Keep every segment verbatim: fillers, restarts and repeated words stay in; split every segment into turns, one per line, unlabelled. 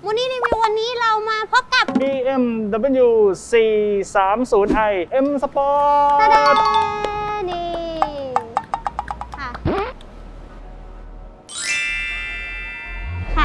มูนี่รีวิววันนี้เรามาพบกับ
บี เอ็ม ดับเบิลยู สี่ สาม ศูนย์ ไอ M Sport
ตาดานี่ค่ะค่ะ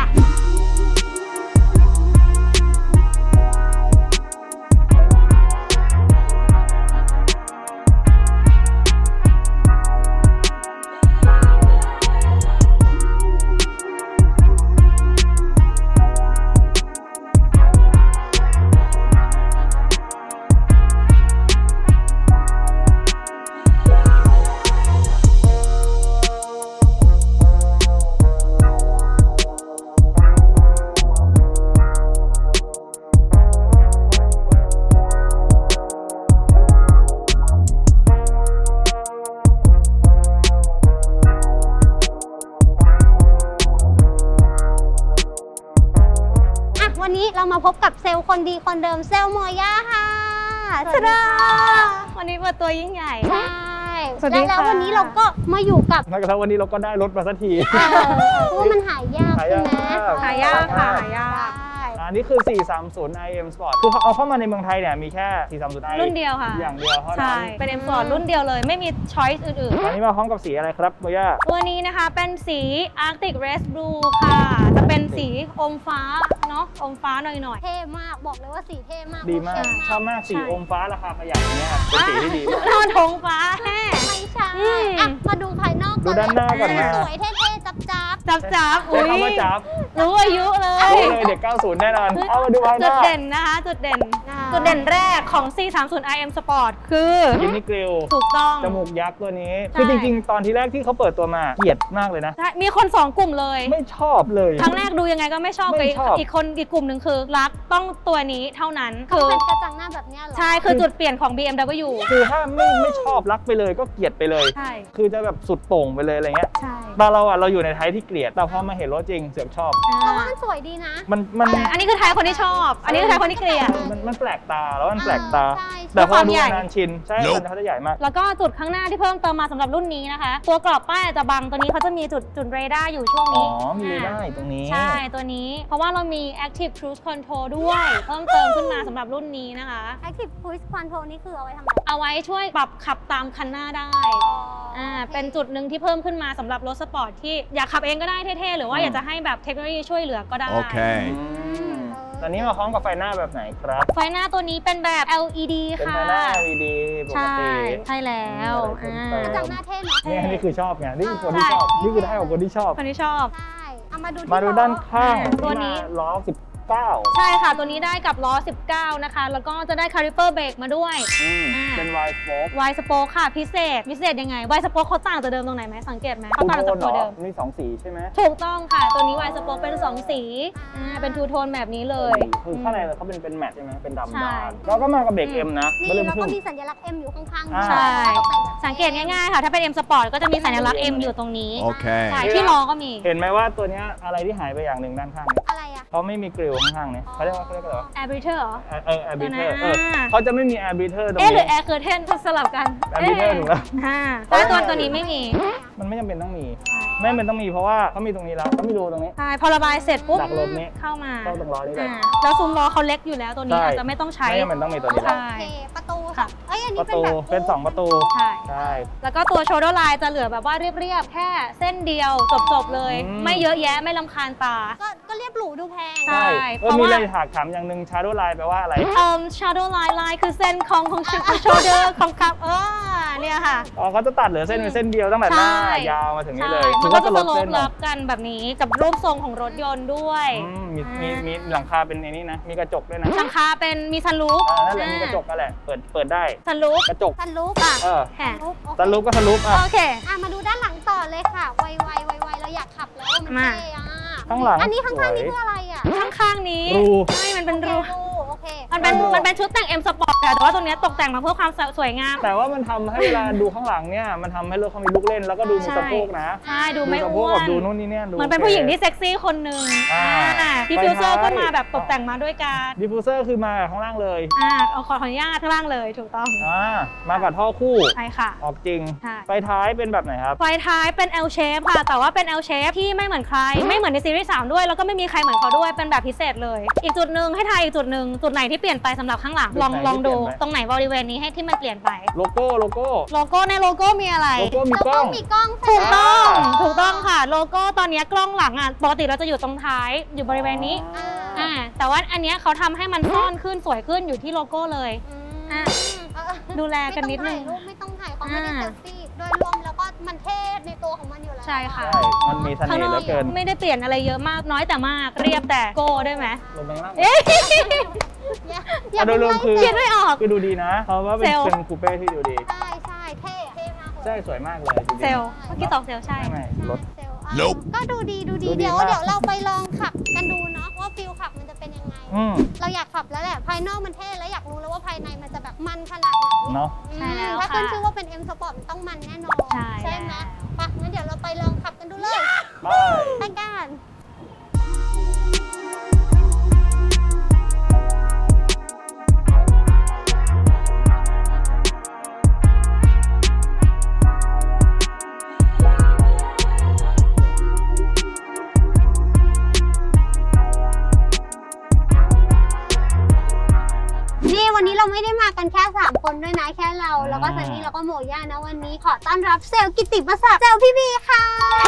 วันนี้เรามาพบกับเซลล์คนดีคนเดิมเซลล์โมย่าค่ะสวัสดีค่ะ
วันนี้เปิดตัวยิ่งใหญ่
ใช่แล้ววันนี้เราก็มาอยู่กับ
แล้ววันนี้เราก็ได้รถมาสักที
เพราะว่ามันหายากใช่ไหม
หายากค่ะหายาก
อันนี้คือ สี่ สาม ศูนย์ ไอ M Sport คือเอาเข้ามาในเมืองไทยเนี่ยมีแค่ สี่ สาม ศูนย์ ไอ
รุ่นเดียวค่ะ
อย่างเดียวเท่านั้น
ใช่เป็น M Sport รุ่นเดียวเลยไม่มีช้อยส์อื่น
ๆตอนนี้มาพร้อมกับสีอะไรครับโมย่า
ตัวนี้นะคะเป็นสี Arctic Race Blue ค่ะจะเป็นสีอมฟ้าเนาะอมฟ้าหน่อยๆ
เท่มากบอกเลยว่าสีเท่มาก
ดีมากชอบมากสีอมฟ้าราคาประหยัดอย่างเงี้ยเป็นสีที่ดีมาก
นอนทงฟ้าแท้
ไม่ใช่มาดูภายนอก
ดูด้านหน้าก่อนนะ
สวยเท่ๆจับจับ
จับจับ
อุ้ยคำว่าจับ
รู้อายุเลย
รู้เลยเด็กเก้าสิบแน่นอนเอามาดูภายนอก
จุดเด่นนะคะจุดเด่นจุดเด่นแรกของ สี่ สาม ศูนย์ ไอ M Sport คือ
ยินนี่กริล
ถูกต้อง
จมูกยักษ์ตัวนี้คือจริงๆตอนที่แรกที่เขาเปิดตัวมาเกลียดมากเลยนะ
มีคนสองกลุ่มเลย
ไม่ชอบเลย
ครั้งแรกดูยังไงก็ไม่ชอบไปอีกคนอีกกลุ่มหนึ่งคือรักต้องตัวนี้เท่านั้น
คือเป็นกระจังหน้าแบบนี้หรอ
ใช่คือจุดเปลี่ยนของ บี เอ็ม ดับเบิลยู
คือถ้าไม่ไม่ชอบรักไปเลยก็เกลียดไปเลย
ใช่
คือจะแบบสุดโต่งไปเลยอะไรเงี้ย
ใช่
แต่เราอ่ะเราอยู่ในไทยที่เกลียดแต่พอมาเห็นรถจริงเสือกชอบ
เพราะว่ามันสวยดีนะ
มันมัน
อันนี้คือไทยคนที่ชอบอันนี้คือไทยคนที่เกลียด
มันมันแปลกตาแล้วมันแปลกตาแต่พอดูนานชินใช่มันเขาจะใหญ่มาก
แล้วก็จุดข้างหน้าที่เพิ่มเติมมาสำหรับรุ่นนี้นะคะตัวกรอบป้ายจะบังตัวนี้เขาจะมีจุดจุดเรดาร์อยู่ช่วงนี้
อ๋อมีเรดาร์ตรงนี้
ใช่ตัวนี้เพราะว่าเรามี Active Cruise Control ด้วยเพิ่มเติมขึ้นมาสำหรับรุ่นนี้นะคะ
Active Cruise Control นี่คือเอาไว้ทำอะไร
เอาไว้ช่วยปรับขับตามคันหน้าได้อ่าเป็นจุดหนึ่งที่เพิ่มขึ้นมาสำหรับรถสปอร์ตที่อยากขับเองก็ได้เท่ๆหรือว่าอยากจะให้แบบเทคโนโลยีช่วยเหลือก็ได้
โอเคตอนนี้มาพร้อมกับไฟหน้าแบบไหนครับ
ไฟหน้าตัวนี้เป็นแบบ แอล อี ดี ค่ะ
เป็นไฟหน้า แอล อี ดี ปกติ
ใช่แล้ว
กระจังหน้าเท่เนาะ
นี่นี่คือชอบไงนี่คือคนที่ชอบนี่คือได้ของคนที่ชอบ
คนที่ชอบ
ใช่เอามาดู
มาดูด้านข้าง
ตัวนี้
ล้อสิบเก้า
ใช่ค่ะตัวนี้ได้กับล้อสิบเก้านะคะแล้วก็จะได้คาลิเปอร์เบรกมาด้วย
เป็น Y Spoke
Y Spoke ค่ะพิเศษพิเศษยังไง Y Spoke เขาต่างจากเดิมตรงไหนไหมสังเกตไหมเขาต่างจากตัวเดิม
มีสองสีใช่ไหม
ถูกต้องค่ะตัวนี้ Y Spoke เป็นสองสีอ่าเป็นทูโทนแบบนี้เลย
คือข้างในเขาเป็นเป็นแมทใช่ไหมเป็นดำดำแล้วก็มากับเบรก M นะ
นี่แล้วก็มีสัญลักษณ์ M อยู่ข้างๆ
ใช่สังเกตง่ายๆค่ะถ้าเป็น M Sport ก็จะมีสัญลักษณ์ M อยู่ตรงนี้โอเคใช่ที่ล้อก็มี
เห็นไหมว่าตัวนี้อะไรที่หายไปอย่างหนึ่งด้านข้าง
อะไรอ่ะ
เขาไม่มีกริลข้างๆเนี่ยเขาเรียกว่าเขาเรียกอะไรวะ
Air Breather เหรอ
เออ Air Breather เออเขาจะไม่มี Air Breather ตรงนี้
เอ๊ะหรือ Air Curtain สลับกัน
Air Breather ถูกแล้ว
แต่ตัวตัวนี้ไม่มี
มันไม่จำเป็นต้องมีไม่จำเป็นต้องมีเพราะว่าเขามีตรงนี้แล้วเขามีรูตรงนี้
ใช่พอระบายเสร็จปุ๊บ
ดักลมนี้
เข้ามา
เข้าตรงล้อนี่เลย
แล้วซุ้มล้อเขาเล็กอยู่แล้วตัวนี้อาจจะไม่ต้องใช้
ไม่จำเป็นต้องมีตัวนี้แล้ว
ประตูค่ะเอ้ยอันนี้
เป็นแบบเป็นสองประตู
ใช่
ใช่
แล้วก็ตัว shoulder line จะเหลือแบบว่าเรียบๆแค่เส้นเดียวจบๆเลยไม่เยอะแยะไม่รำคาญตา
ก็เรียบหรูดูแพง
ใช่เพราะว่ามีอะไรถากถามอย่างหนึ่ง shadow line แปลว่าอะไร
เอ่อ shadow line line คือเส้นของของ shoulder ของครับเออเนี่ยค่ะ
อ๋อเขาจะตัดเหลือเส้นเป็นเส้นเดียวตั้งแต่หน้ายาวมาถึงนี่เลย
มันก็จะลดรับกันแบบนี้กับรูปทรงของรถยนต์ด้วย
มีมีมีหลังคาเป็นในนี้นะมีกระจกด้วยนะ
หลังคาเป็นมีซันรูฟ
นั่นแหละมีกระจกกันแหละเปิดเปิดได้
ซันรูฟ
กระจก
ซันรูฟอ่ะ
เออ
แหม
ซันรูฟก็ซันรูฟอ่ะ
โอเค
อ่ะมาดูด้านหลังต่อเลยค่ะไวไวไวไวเราอยากขับแล้วมันเท่อะ
ข้างหลัง
อันนี้ข้างๆนี่คืออะไรอ่ะ
ข้างๆนี้
รู
ใช่มันเป็นรู
โอเค
มันเป็นมันเป็นชุดแต่ง M Sport ค่ะแต่ว่าตัวเนี้ยตกแต่งมาเพื่อความสวยงาม
แต่ว่ามันทำให้เวลาดูข้างหลังเนี่ยมันทำให้รถเขามีลูกเล่นแล้วก็ดูมีสะโพกนะ
ใช่ดูไม่
สะโพ
อ้
ก
ว
กับ
น
ดูนู่นนี่เนี่ยดู
เหมือนเป็นผู้หญิงที่เซ็กซี่คนหนึ่ง
อ่า
ดิฟฟิวเซอร์
ไปท้าย
ก็มาแบบตกแต่งมาด้วยการ
ดิฟฟิวเซอร์คือมาข้างล่างเลย
อ่าเอาขออนุญาตข้างล่างเลยถูกต้อง
อ่ามากับท่อคู่
ใช่ค่ะ
ออกจริง
ใช่
ไฟท้ายเป็นแบบไหนครับ
ไฟท้ายเป็น L shape ค่ะ แต่ว่าเป็น L shape ที่ไม่เหมือนใคร ไม่เหมือนในซีรีส์สามด้วย แล้วก็ไม่มีใครเหมือนเขาด้วย เป็นแบบพิเศษเลย อีกจุดหนึ่งให้ทายอีกจุดหนึ่งจุดไหนที่เปลี่ยนไปสำหรับข้างหลัง ลอง
จุดไหน
ลองดู
ที่เปลี่ยนไป
ตรงไหนบริเวณนี้ให้ที่มันเปลี่ยนไป
โลโก้โลโก้
โลโก้ในโลโก้มีอะไร
โลโก้มี
แล้ว
กล้
ก็
อง
มีกล้อง
ถูกต้อง
อ่า
ถูกต้องค่ะ โลโก้ตอนนี้กล้องหลังอ่ะ ปกติเราจะอยู่ตรงท้าย อยู่บริเวณนี้
อ่า
อ่า แต่ว่าอันเนี้ยเขาทำให้มันซ่อนขึ้นสวยขึ้นอยู่ที่โลโก้เลย อ่ะ
เออ
ดูแลกันนิดนึง
ไม่ต้องถ่ายรูปไม่ต้องถ่ายเขาไม่ได้
อ่า
เซลฟี่โดยรวมแล้วก็มันเท่ในตัวของมันอยู่แล้ว
ใช่ค่ะ
ใช่มันมีเส
ข้าง
น่
น
ห์เห
อ
ลื
ก
อเกิน
ไม่ได้เปลี่ยนอะไรเยอะมาก น้อยแต่มาก เรียบแต่โก้ได้ไหม
ลงไปข้างล่าง
เอ๊ะ
อย่า
อ่ะโดยรวมคือ
คิดไม่ออก
คือดูดีนะ เพราะว่าเป็น
เซลล์
เป็นคูเป้ที่ดูดี
ใช่ใช่เท่เท่มากเลย
ใช่สวยมากเลยจริงๆ
เซลล์เมื่อกี้ตอบเซลล์ใช่
ไม่ไม่รถ
เซลล์อ่ะ
Nope
ก็ดูดีดูดี
ดูดี
เดี๋ยว
มาก
เดี๋ยวเราไปลองขับกันดูเนาะว่าฟิลขับมันจะเป็นยังไง
อืม
เราอยากขับแล้วแหละภายนอกมันเท่แล้วอยากรู้แล้วว่าภายในมันจะแบบมันขนาดไหน
เนาะ
ใช่แล้ว
ถ้า
ค่ะ
ขึ้นชื่อว่าเป็น M Sport มันต้องมันแน่นอน
ใช่
ไหม
แล้ว
ไปะงั้นเดี๋ยวเราไปลองขับกันดูเลย
ไป
ไปกัน นี่วันนี้เราไม่ได้มากันแค่สามคนด้วยนะแค่เราแล้วก็ซันนี่แล้วก็โมย่านะวันนี้ขอต้อนรับเซลล์กิตติมศักดิ์เซลล์พี่บีค่ะ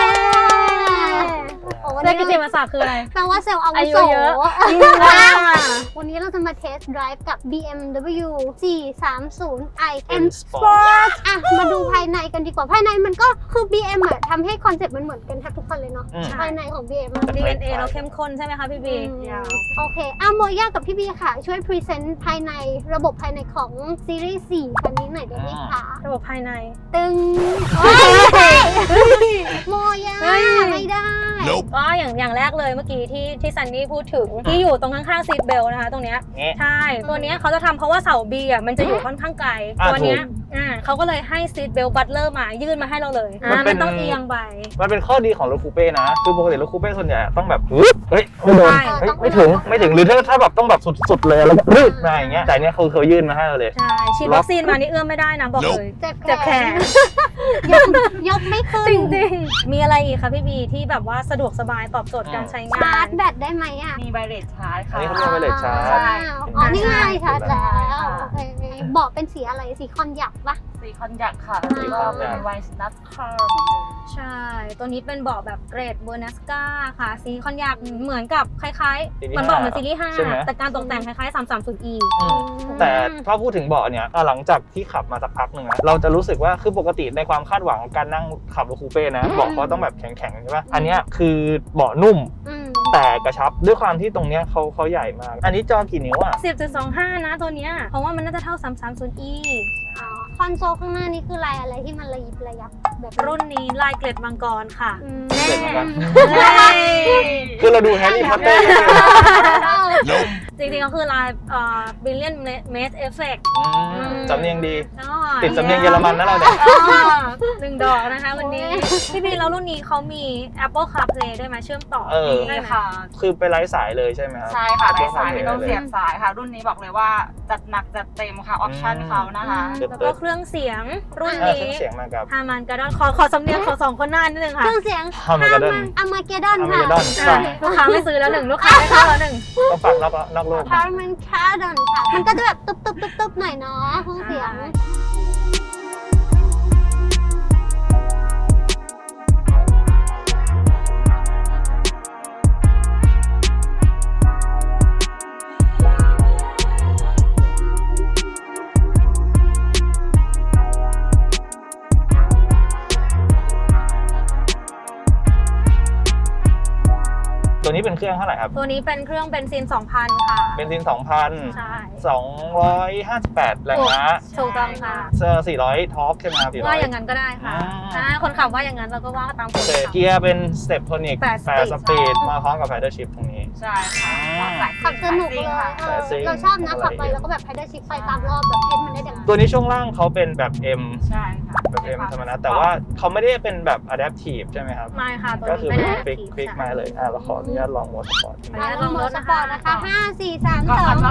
โอ้วัน
เซล
นี้
ล์กิตติมศักดิ์คืออะไร
แปลว่าเซลล์อาวุ
อา
โส
ยุเยอะ
วันนี้เราจะมาเทสต์ไดรฟ์กับ บี เอ็ม ดับเบิลยู สี่สามศูนย์ ไอ M Sport อ่ะมาดูภายในกันดีกว่าภายในมันก็คือ บี เอ็ม อ่ะทำให้คอนเซ็ปต์มันเหมือนกันแทบทุกคันเลยเนาะ
อืม
ภายในของ บี เอ็ม
ดี เอ็น เอ เราเข้มข้นใช่ไหมคะพี่บี
โอเคอ่ะโมย่ากับพี่บีค่ะ ช่วยพรีเซนต์ภายในระบบภายในของซีรีส์สี่คันนี้หน่อยได้ไหมคะ
ระบบภายใน
ตึงโอ้ยโมย่า
เฮ้ย
ไม่ได้
ก็อย่างอย่างแรกเลยเมื่อกี้ที่ที่ซันนี่พูดถึงที่อยู่ตรงข้างๆซีทเบลนะคะ ตรงเนี้ย
เงี้ย
ใช่ ตัวเนี้ยเขาจะทำเพราะว่าเสาบีอ่ะมันจะอยู่ค่อนข้างไกล
อ่ะ
ตัวเนี้ย
ถูก
อ่าเขาก็เลยให้ซีทเบลบัตเลอร์มายื่นมาให้เราเลย
มัน
อ่า
เป็
มัน นต้องเอียงไป
มันเป็นข้อดีของรถคูเป้นะ คือปกติรถคูเป้ส่วนใหญ่ต้องแบบฮึบเฮ้ยไม่โดน
ใช่
เฮ้ยไม่ถึงไม่ถึงหรือถ้าถ้าแบบต้องแบบสุดๆเลยแล้วก็รืดมาอย่างเงี้ยแต่อันเนี้ยเขาเขายื่นมาให้เราเลย
ใช่ฉีดวัคซีนมานี่เอื้อมไม่ได้นะบอกเลย
เจ็บ
เจ็บแขน
ยกยกไม่ขึ้น
จริงๆ มีอะไรอีกคะพี่บีที่แบบว่าสะดวกสบายตอบโจทย์การใช้งา
ชาร์
น
จแบตได้ไหมอ่ะ
มีไวเลสชาร์จ
อัน
ค่ะ
นี้เขาเรียกว่าเลชาร์จ
ใช่
อ๋อ นี่ไงชาร์จแล้ว
ค่ะ
โอเคเบาะเป็นสีอะไร สีคอนยักปะ
สีคอนยักค่ะ
สี
แล้ว
ค
ก็
อนยัก
เป็นไวน์นัทคาร์เหมือนเดิม
ใช่ ตัวนี้เป็นเบาะแบบเกรดเบอร์นัสกาค่ะสีคอนยากเหมือนกับคล้ายๆ
ซีรีส์
เหมือนเบาะเหมือนซีรีส์ห้า
ใช่ไหม
แต่การตกแต่งคล้ายๆ สามสามศูนย์ อี
อืมแต่ถ้าพูดถึงเบาะเนี่ยหลังจากที่ขับมาสักพักหนึ่งนะเราจะรู้สึกว่าคือปกติในความคาดหวังของการนั่งขับรถคูเป้นะเบาะเขาต้องแบบแข็งๆใช่ปะอันเนี้ยคือเบาะนุ่ม
อืม
แต่กระชับด้วยความที่ตรงเนี้ยเขาเขาใหญ่มาก อันนี้จอกี่นิ้วอ่ะ
สิบจุดสองห้า นะตัวเนี้ยเพราะว่ามันน่าจะเท่า สามสามศูนย์ อี
อ๋อ คอนโซลข้างหน้านี่คือลายอะไรที่มันระยิบระยับแบบ
รุ่นนี้ลายเกล็ดมังกรค่ะ
อืม
เกล็ดมังกร
เฮ้ย
คือเราดูแฮร์รี่พอตเตอร์
จริงๆก็คือลายเอ่อ Billion Maze Effect
สำเนียงดี
อ๋อ
ติดสำเนียงเยอรมันนะเราเนี่ย
อ๋อหนึ่งดอกนะคะวันนี้ พี่บีแล้วรุ่นนี้เขามี Apple CarPlay ด้วยไหมเชื่อมต่อ
เออ
ได้
นี่
ไหม
ค่ะ
คือไปไร้สายเลยใช่ไหมครับ
ใช่ค่ะได้สาย
ไม่
ไม่
ต้
ต้
อ
อง ง
เสี
เสี
ย
ย
บบ
สายค่ะ รุ่นนี้บอกเลยว่าจัดหนักจัดเต็มค่ะ ออปชั่นเขานะคะ
เติบ
แล้ว
เติ
ก็
บ
เครื่องเสียงรุ่น
อ่าเค
นี้
รื่องเสียงมากับ
ฮามันกระดอนขอขอสำเนียงขอสองคนหน้านิดนึง
เค
ค่ะ
รื่องเสียง
ฮาร์มันการ์เดน
อามาเกดอน
อามา
ค่ะ
เกดอน
อ่ะลูกค้าไม่ซื้อแล้วหนึ่งลูกค้าไม่เข้าแล้วหนึ่ง
ต้องฟังนอกนอกโลก
ฮาร์มันคาร์ดอนค่ะ มันก็จะแบบตุ๊บตุ๊บตุ๊บตุ๊บหน่อยเนาะเครื่องเสียง
ตัวนี้เป็นเครื่องเท่าไหร่ครับ
ตัวนี้เป็นเครื่องเบนซิน สองพัน ค่ะ
เป็นซินสองพัน
ใช่
สองร้อยห้าสิบแปดแรงม้า
ถูกต้องค่ะ
เซอร์สี่ร้อยทอร์กใช่ไหมครับสี่ร้
ว่า
อย
อย่างนั้นก็ได้ค่ะ
อ่า
อ่าคนขับว่าอย่างนั้นเราก็ว่าตามค
โอน เค
ขับ
เกียร์เป็นสเต็ปโทนิก
แปด
แปด
ส
ส
ปี
ปี
ด
ดมาพร้อมกับไฟเดอร์ชิพตรงนี้
ใช่ค่ะ
อ่า
สาย
ขับสนุกเลยเอ
สาย
อ
ซิ่ง
เราชอบนะขับไป
อะไรอย่างเงี้ย
แล้วก็แบบไฮเดอร์ชิปไปตามรอบแบบเพชรมันได้ดัง
ตัวนี้ช่วงล่างเขาเป็นแบบ M
ใช่ค่ะ
แบบ M ธรรมดาแต่ว่าเขาไม่ได้เป็นแบบ adaptive ใช่ไหมครับ
ไม่ค่ะตัว
ก็
นี้
คือ
ไม่
เป็น
ได้
ฟิกฟิกมาเลยอ่ะเราขออนุญาตลองโหมดสปอร์ต
ขออนุญาตลองรถ
ส
นะ
ปอ
คะ
ร์ตนะคะห้าสี่สาม
ก็
สอ
อั
ง
นว่า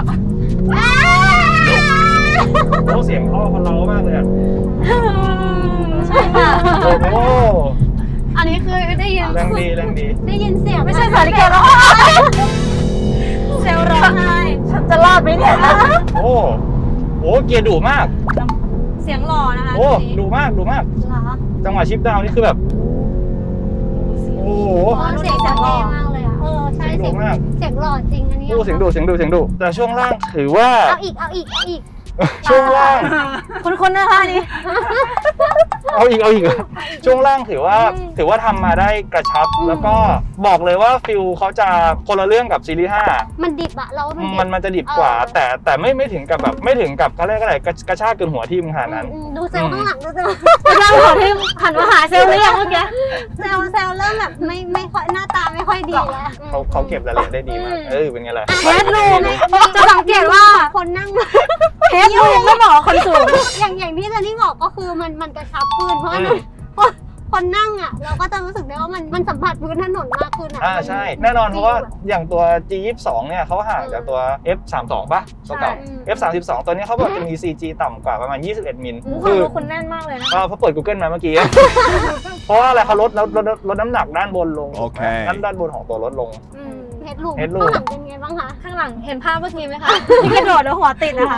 โอ้เสียงท่อเขาเล้ามากเลยอ่ะ
ใช่ค่ะ
โอ้โห
อันนี้คือได้ยิน
แรงดีแรงดี
ได้ยินเสียง
ไม่ใช่สาริการ้องเซลล์ร้องไห้ฉันจะรอดไหมเนี่ย
โอ้โหเกียร์ดุมาก
เสียงหล่อนะคะ
โอ้
ตัวนี้
ดุมากดุมาก
เหรอ
จังหวะชิปดาวน์นี่คือแบบ โอ้โห
อ๋อเสียงเท่มากเลยอ่ะเออใช่
เสียงดุ
เสียง
มาก
เสียงหล่อจริงอันนี้
โอ้เสียงดุเสียงดุเสียงดุแต่ช่วงล่างถือว่า
เอาอีกเอาอีกเอาอีก
ช่วงล่าง
คุ้นๆนะคะอันนี้
เอาอีกเอาอีก ช่วงล่างถือว่าถือว่าทำมาได้กระชับ แล้วก็บอกเลยว่าฟิลเขาจะคนละเรื่องกับซีรีส์ห้า
มันดิบอะเรามันดิบ
มันมันจะดิบกว่า แต่แต่ไม่ไม่ถึงกับแบบไม่ถึงกับเขาเรียกอะไรกระกระชากเกินหัวที่มึงขนาดนั้น
อืมดูเซลล์ข้างหลังดูเซลล์
เริ่มขอที่หันมาหาเซลล์หรือยังเมื่อกี้
เซลล์เซลล์เริ่มแบบไม่ไม่ค่อยหน้าตาไม่ค่อยดีแล้ว
เขาเขาเก็บรายละเอียดได้ดีมาก เออเป็นไงล่ะ
เฮดรูมจะสังเกตว่า
คนนั่ง
เฮดรูมไม่เหมาะกับคนสูง
อย่างอย่างที่เจนนี่บอกก็คือมันมันกระชับขึ้นเพราะว่า
อืม
คนคนนั่งอ่ะ เราก็จะรู้สึกได้ว่ามันมันสัมผัสพื้นถนนมากขึ้นอ่ะ
อ่าใช่ แน่นอนเพราะว่าอย่างตัว จี ยี่สิบสอง เนี่ยเขาห่างจากตัว เอฟ สามสิบสอง ป่ะตัวเก่า เอฟ สามสิบสอง ตัวนี้เขาบอกจะมี ซี จี ต่ำกว่าประมาณ ยี่สิบเอ็ด มิล
โอ้โห
คือ
คุณแน่นมากเลยนะ
เออเพราะเปิด Google มาเมื่อกี้ เพราะว่าอะไรเขาลดลดลดลดน้ำหนักด้านบนลง
โอเค
ด้านด้านบนของตัวรถลง
อืมเฮดรูม
Headroom
ข้างหลังเป็นไงบ้างคะ
ข้างหลังเห็นภาพเมื่อกี้ไหมคะที่กระโดดแล้วหัวติดนะคะ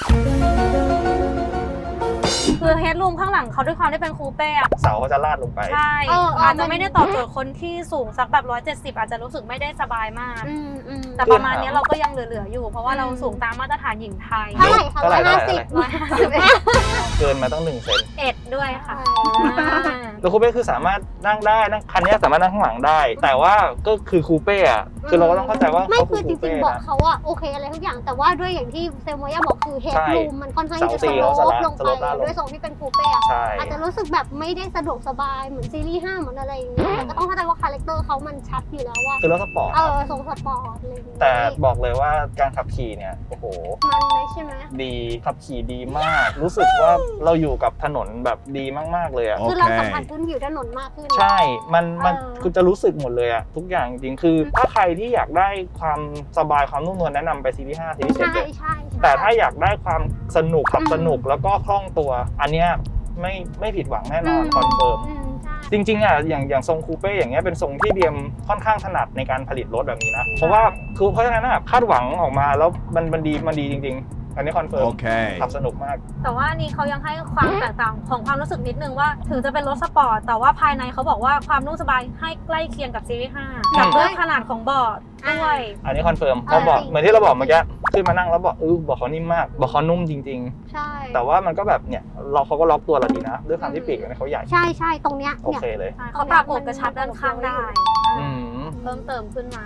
คือเฮดรูมข้างหลังเขาด้วยความที่เป็นคูเป้อะ
เสาเขาจะลาดลงไป
ใช่
เออเออ
อาจจะ
มัน
ไม่ได้ตอบโจทย์คนที่สูงสักแบบร้อยเจ็ดสิบอาจจะรู้สึกไม่ได้สบายมาก
อืมอืม
แต่ประมาณนี้เราก็ยังเหลือๆอยู่ เพราะว่าเราสูงตามมาตรฐานหญิงไทย
เท่าไหร่คะ
เท่าไหร่
ร้อยห้าสิบ
เท่าไหร่
ร้อยห้าสิบเอ็ด
เกินมาตั้งหนึ่งเซน
เอ็ดด้วยค่ะ
แล้วคูเป้คือสามารถนั่งได้นั่งคันนี้สามารถนั่งข้างหลังได้ แต่ว่าก็คือคูเป้อะคือเราก็ต้องเข้าใจว่า
ไม่
เขา
คื
คือ อ
จ
คู
ริ
เป้
งๆบอก
นะ
เขาอะโอเคอะไรทุกอย่างแต่ว่าด้วยอย่างที่เซลโมย่าบอกคือเฮด
ใช่
รูมมันค่อนข้างที่จะ
เสาสี่
ส
เขา
โล
ส
ป
ละ
ลง
ส
ไป
โลปด้านลง
ด้วยทรงที่เป็นคูเป้อะ
ใช่
อาจจะรู้สึกแบบไม่ได้สะดวกสบายเหมือนซีรีส์ห้าเหมือนอะไรอย่างเงี้ยแต่ก็ต้องเข้าใจว่าคาแรคเตอร์เขามันชัดอยู่แล้วว่า
คือรถสปอร์ต
เออทรงสปอร์ตอะไรอย่างเงี้ย
แต่บอกเลยว่าการขับขี่เนี่ยโอ้โห
มันเลยใช่ไหม
ดีขับขี่ดีมาก รู้สึกว่าเราอยู่กับถนนแบบดีมากๆเลยอะ
คือเราสัมผัสพื้นผิวถนนมากขึ้น
ใช่ มันมัน
เออ
คือจะรู้สึกหมดเลยอะทุกอย่างจริงๆคือถ้าใครที่อยากได้ความสบายความนุ่มนวลแนะนำไปซีรีส์ห้าซีรีส์เจ็ด
ใช่
เลย
ใช่ใช่
แต่ถ้าอยากได้ความสนุกขับ
อืม
สนุกแล้วก็คล่องตัว อันเนี้ยไม่ไม่ผิดหวังแน่นอนคอนเฟิร์ม
อืมใช่
จริงๆอ่ะอย่างอย่างทรงคูเป้อย่างเงี้ยเป็นทรงที่บีเอ็มค่อนข้างถนัดในการผลิตรถแบบนี้นะ เพราะว่าคือเพราะฉะนั้นอ่ะคาดหวังออกมาแล้วมันมันดีมันดีจริง ๆ อันนี้คอนเฟิร์ม
Okay.
ขับสนุกมาก
แต่ว่านี่เขายังให้ความแตกต่างของความรู้สึกนิดนึงว่า ถึงจะเป็นรถสปอร์ตแต่ว่าภายในเขาบอกว่าความนุ่มสบายให้ใกล้เคียงกับซีรีส์ห้า
อืม
กับด้วยขนาดของเบาะด้วย
อันนี้คอนเฟิร์มเขาบอกเหมือนที่เราบอกเมื่อกี้ขึ้นมานั่งแล้วบอกเออบอกเขานิ่มมากบอกเขานุ่มจริง
ใช่
ๆ แต่ว่ามันก็แบบเนี่ยเราเขาก็ล็อกตัวเราดีนะด้วยความที่ปีกเนี่ยเขาใหญ่
ใช่ใช่ตรงเนี้ย
โอ
เนี่ย
เคเลย
เขาปรับอกกระชับด้านข้างได้
อืม
เพิ่มเติมขึ้นมา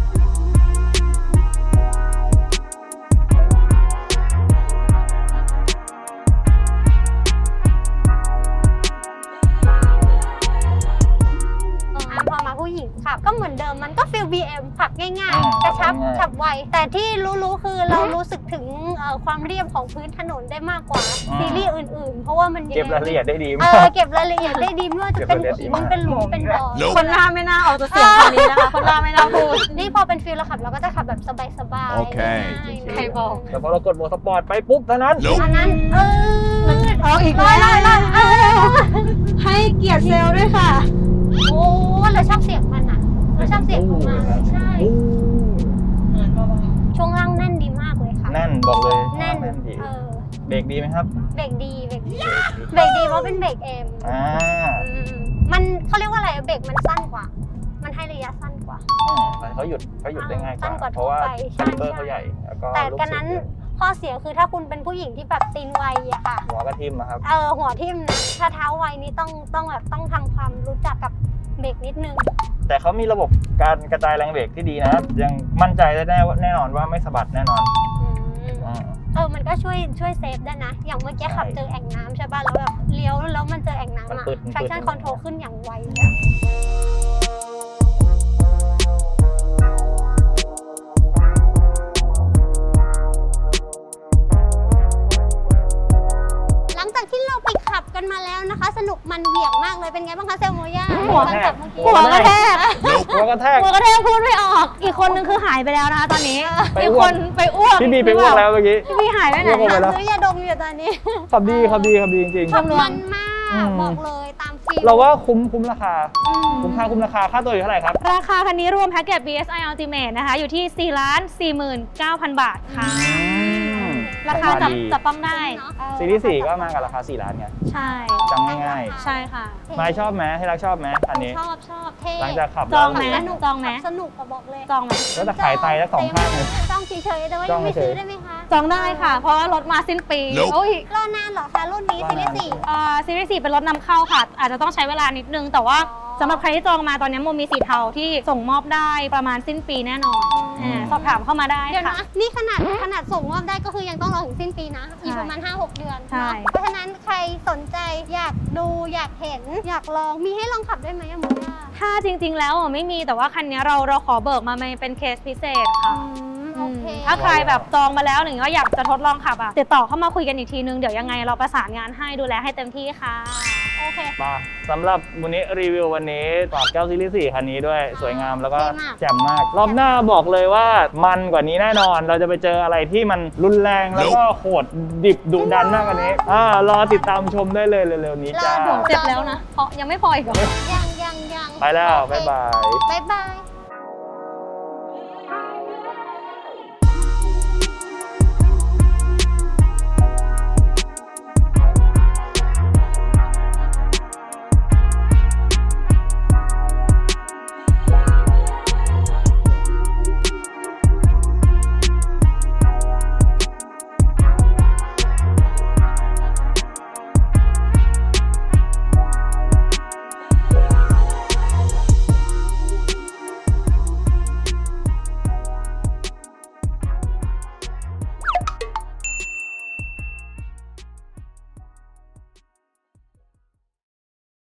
อ่ะพอมาผู้หญิงขับก็เหมือนเดิมมันก็ฟิล บี เอ็ม ขับง่าย
อืม
ๆ กระชับ
ง่ายๆ
ขับไว แต่ที่รู้ๆคือเรารู้สึกถึงเอ่อความเรียบของพื้นถนนได้มากกว่าซีรีส์อื่นๆ เพราะว่ามันยัง
เก็บ
ไง
รายละเอียดได้ดี
เอ
มาก
อเก็บรายละเอียดได้ดีไม่ว่าจะเป็น
เก็บรายละเอียดดี
หิน
มาก
เป็นหลุมเป็นบ่อ
Nope
คนหน้าไม่น่าออกจะเสียงคำนี้นะคะ คนหน้าไม่น่าพูด
นี่พอเป็นฟิลเราขับเราก็จะขับแบบสบายๆ
โอเค
ง่ายๆ
ใครบอก
แต่พอเรากดโหมดสปอร์ตไปปุ๊บเท่านั้น
Nope
อันนั้นเออ
เอาอีก
ร้อย
แล้ว
ร้อยร้อยเออ
ให้เกียรติเซลล์ด้วยค่ะ
โอ้เราชอบเสียงมันอ่ะเราชอบเสียงของมันใช่
อู้
ช่วงล่างแน่นดีมากเลยค่ะ
แน่นบอกเลย
แน่น
แน่นดี
เออ
เบรกดีไหมครับ
เบรกดีเบรกดี
เบรกดี
เบรกดีเพราะเป็นเบรกเอ็ม
อ่า
อืมมันเขาเรียกว่าอะไรเบรกมันสั้นกว่า มันให้ระยะสั้นกว่า
อืมแต่เขาหยุดเขาหยุดได้ง่ายก
สั้นก
ว่า
ว่า
เพราะว่า
ทั่วไปใช่
คาแรคเตอร์เขาใหญ่แล้วก็
แต่
ลูก
กันนั้น
ศรเยอะ
ข้อเสียคือถ้าคุณเป็นผู้หญิงที่แบบตีนไวอะค่ะ
หัวกระทิ่มนะครับ
เออหัวทิ่มนะถ้าเท้าไวนี่ต้องต้องแบบต้องทำความรู้จักกับเบรกนิดนึง
แต่เขามีระบบการกระจายแรงเบรกที่ดีนะยังมั่นใจได้แน่ว่าแน่นอนว่าไม่สะบัดแน่นอน
อืม
อืม
เออมันก็ช่วยช่วยเซฟได้นะ อย่างเมื่อกี้
ใช่
ขับเจอแอ่งน้ำใช่ป่ะแล้วแบบเลี้ยวแล้วมันเจอแอ่งน้ำ
มัน
อะ
ปืดมันปืด
traction control ขึ้นอย่างไวเลยอะ
หัวกระแทก
หัวกระแทก
หัวกระแทกพูดไม่ออก อีกคนนึงคือหายไปแล้วนะคะตอนนี้
ไป
อีก
อ้ว
ค
ก
นไปอ้วก
พี่บีไปอ้วกแล้วเมื่อกี้
พี่บีหายไปไหน
อ้วกออกไปแล้ว
ซื้อยาดมอยู่ตอนนี้
ขับดีขับดีขับดีจริง
ชมรว
มั
ม
นมาก
อืม
บอกเลยตามฟิล
ๆ เราว่าคุ้มคุ้มราคา
อืม
คุ้มค่าคุ้มราคาค่าตัวอยู่เท่าไหร่ครับ
ราคาคันนี้รวมแพ็กเกจ บี เอส ไอ Ultimate นะคะ อยู่ที่ สี่ล้านสี่หมื่นเก้าพัน บาทค่ะ ราคาจับ
ดี
จับต้องได้
เนอะเออ
ซีรีส์สี่ก็มากับราคาสี่ล้านไง
ใช่
จำง่าย
ใช่ค่ะ
ๆไม้ชอบไหมให้รักชอบไหมอันนี้
ชอบชอบเท่
หลังจากขับ
จ
แล้ว
องไหม
สนุก
จองไหม
สนุกก็บอกเลย
จองไหม
ก็จะขายไตแล้วสองข้างเลย
จองเฉยๆแต่ว่า
จ
ยั
อง
งไม่
เฉย
ซื้อได้ไหมคะ
จองได้ค่ะ เพราะว่ารถมาสิ้นปีโอ้ย
รอนานเหรอคะรุ่นนี้ซีรีส์สี่
เอ่อซีรีส์สี่เป็นรถนำเข้าค่ะ อาจจะต้องใช้เวลานิดนึง แต่ว่า
อ๋อ
สำหรับใครที่จองมาตอนนี้โมมีสีเทาที่ส่งมอบได้ประมาณสิ้นปีแน่นอน
อืม
อ่าสอบถามเข้ามาได้
เดี๋ยว
ค่ะ
นะ นี่ขนาดขนาดส่งมอบได้ก็คือยังต้องรอถึงสิ้นปีนะ อีก
ใช่
ประมาณ ห้าหก เดือน
ใช่
เนาะเพราะฉะนั้นใครสนใจอยากดูอยากเห็น อยากลองมีให้ลองขับด้วยไหมอะโมย่า
ถ้าจริง ๆ แล้วอ่ะไม่มีแต่ว่าคันนี้เราเราขอเบิกมาเป็นเคสพิเศษค่ะ
อืมโอเค
ถ้าใครแบบจองมาแล้วหรือว่าอยากจะทดลองขับอ่ะติดต่อเข้ามาคุยกันอีกทีนึง เดี๋ยวยังไงเราประสานงานให้ดูแลให้เต็มที่ค่ะ
โอเค
มาสำหรับวันนี้รีวิววันนี้ฝากเจ้าซีรีส์สี่คันนี้ด้วยสวยงามแล้วก็
เท่มาก
แจ่มมาก รอบหน้าบอกเลยว่ามันกว่านี้แน่นอน เราจะไปเจออะไรที่มันรุนแรงแล้วก็โหดดิบดุดันมากกว่านี้อ่ารอติดตามชมได้เลยเร็วๆนี้จ้า
รอดู
เจ็บแล้วนะเพราะยังไม่พออีกเหรอ
ยังยังยัง
ไปแล้ว
โอเค
บ๊ายบาย
บ๊ายบาย